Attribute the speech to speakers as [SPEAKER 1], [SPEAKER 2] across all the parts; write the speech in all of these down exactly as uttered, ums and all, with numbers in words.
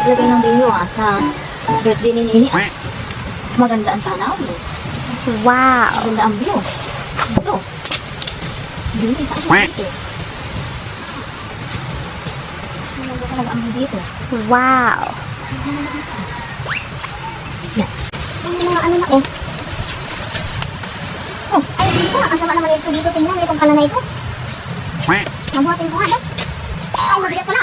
[SPEAKER 1] Lagay ng video ah, sa birthday ni Nini. Ah. Maganda ang tanaw.
[SPEAKER 2] Wow.
[SPEAKER 1] Maganda ang view. Ito. Nini, saan ka dito? Maganda talaga ang view dito.
[SPEAKER 2] Wow.
[SPEAKER 1] Yan. Yung mga ano na oh. Oh, ay dito na. Ang sama naman ito dito. Tingnan, itong pala na ito. Mabuhatin ko nga daw. Ay, mabigat pala.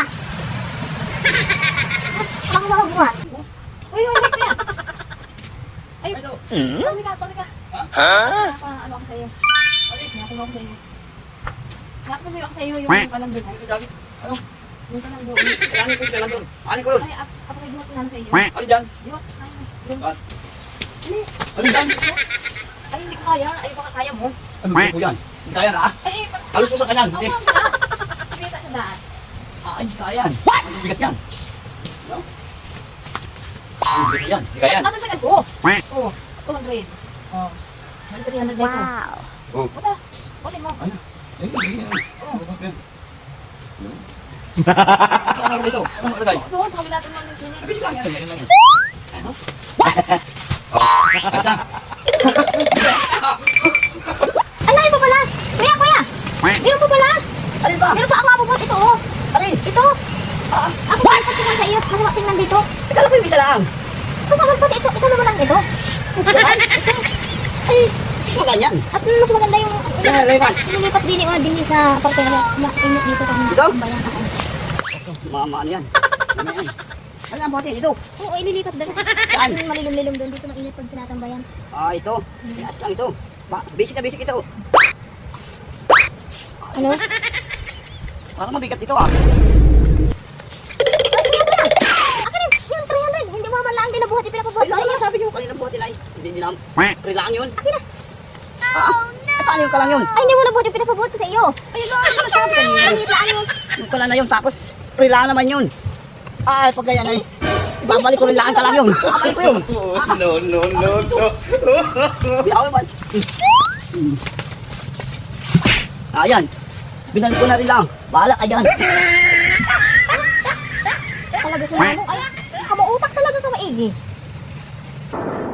[SPEAKER 1] Baka makabuhat. Uy, uy, uy, kuya. Ay, pami ka, pami ka. Ha? Ano ako sa'yo? Nakuha ako sa'yo. Nakuha ako sa'yo yung kalandun.
[SPEAKER 3] Ano?
[SPEAKER 1] Yung kalandun.
[SPEAKER 3] Ano ko yung kalandun? Ano ko yun?
[SPEAKER 1] Ay, ako kayo buhat ko namin sa'yo.
[SPEAKER 3] Ano dyan?
[SPEAKER 1] Yun, ay, yun.
[SPEAKER 3] Ano? Ano dyan?
[SPEAKER 1] Ay, hindi ko kaya. Ay, baka kaya mo.
[SPEAKER 3] Ano ko yan? Hindi kaya na ah?
[SPEAKER 1] Ay,
[SPEAKER 3] Halos mo sa kanyan.
[SPEAKER 1] ako
[SPEAKER 3] Hindi.
[SPEAKER 1] ang daan. Kita sa daan.
[SPEAKER 3] Ah, hindi kaya yan. Ano bigat yan? No? Ano bigat yan? Hindi kaya yan.
[SPEAKER 1] Ano sa ko? Oh, two hundred. Oh. three hundred dito.
[SPEAKER 2] Wow.
[SPEAKER 3] Oh.
[SPEAKER 1] Puta, putin mo.
[SPEAKER 3] Ano? Ayun, ayun, ayun.
[SPEAKER 1] Oh.
[SPEAKER 3] Ano dito? Ano malagay?
[SPEAKER 1] Doon, sa kabila natin ng sini.
[SPEAKER 3] Abis lang yan. Ganyan lang yan. Ano? Oh, kasa.
[SPEAKER 1] Ala, ito pala. Kuya, kuya. Meron pa pala.
[SPEAKER 3] Alin ba?
[SPEAKER 1] Meron pa ako mabubot. Ito, oh.
[SPEAKER 3] Alin?
[SPEAKER 1] Ito.
[SPEAKER 3] Ah,
[SPEAKER 1] Ako pa tingnan sa iyo. Masama tingnan dito.
[SPEAKER 3] ikaw lang ko yung isa lang.
[SPEAKER 1] Masama pa ito. Isa naman lang ito.
[SPEAKER 3] Yan?
[SPEAKER 1] Ay,
[SPEAKER 3] Mas ganyan.
[SPEAKER 1] at mas maganda yung
[SPEAKER 3] Yan, lipat.
[SPEAKER 1] nilipat din oh, din sa parte na mainit dito kami.
[SPEAKER 3] Ito?
[SPEAKER 1] Bayan ako.
[SPEAKER 3] Mga mga ano yan? Ano yan? Ano ang bote? Ito.
[SPEAKER 1] Oo, ililipat doon.
[SPEAKER 3] Saan?
[SPEAKER 1] Malilom-lilom doon. Dito mainit pag tinatambayan.
[SPEAKER 3] Ah, ito. Yes lang ito. Ba, basic na basic ito.
[SPEAKER 1] Ano?
[SPEAKER 3] Parang mabigat ito ah.
[SPEAKER 1] Akin yung three hundred. Hindi mo man lang din nabuhat yung pinapabuhat.
[SPEAKER 3] Ay, ano sabi niyo kanina bote na hindi niyo lang. Kailangan yun.
[SPEAKER 1] Akin na.
[SPEAKER 3] Ah, eh, paano yung kalang yun?
[SPEAKER 1] Ay, hindi mo nabuhat yung pinapabuhat ko sa iyo.
[SPEAKER 3] Ay, ano ano sabi kanina?
[SPEAKER 1] Maliit lang yun.
[SPEAKER 3] Yung kala na yun, tapos kailangan naman yun. Ah, pag ganyan ay, ibabalik ko rin lang ang kalang yun. Ibabalik ko yun.
[SPEAKER 4] No, no, no, no.
[SPEAKER 3] Biyaw naman. Ayan. Binalik ko na rin lang. Bahala ka dyan.
[SPEAKER 1] Talaga sila mo. Ay, kamautak talaga ka maigi.